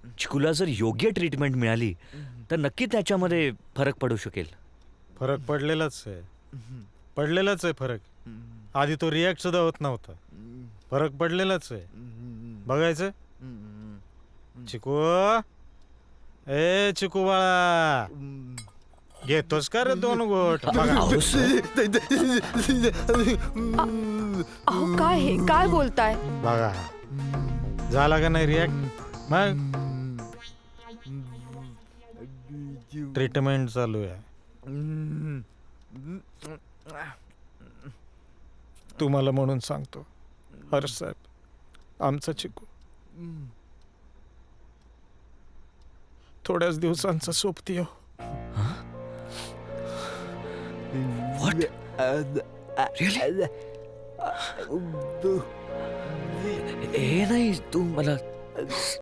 चिकूला जर योग्य ट्रीटमेंट मिळाली तर नक्की त्याच्यामध्ये फरक पडू शकेल. फरक पडलेलाच आहे फरक. आधी तो रिॲक्ट सुद्धा होत नव्हता. फरक पडलेलाच आहे. बघायचं चिकू. ए चिकू बाळा, घेतोस का रे 2 गोट? अहो काय हे काय बोलताय? बघा झाला का नाही रिॲक्ट? मग ट्रीटमेंट चालू आहे. तुम्हाला म्हणून सांगतो हर्ष साहेब, आमचा चिकू थोड्याच दिवसांचा सोबती हो. What? Really? हे नाही तू मला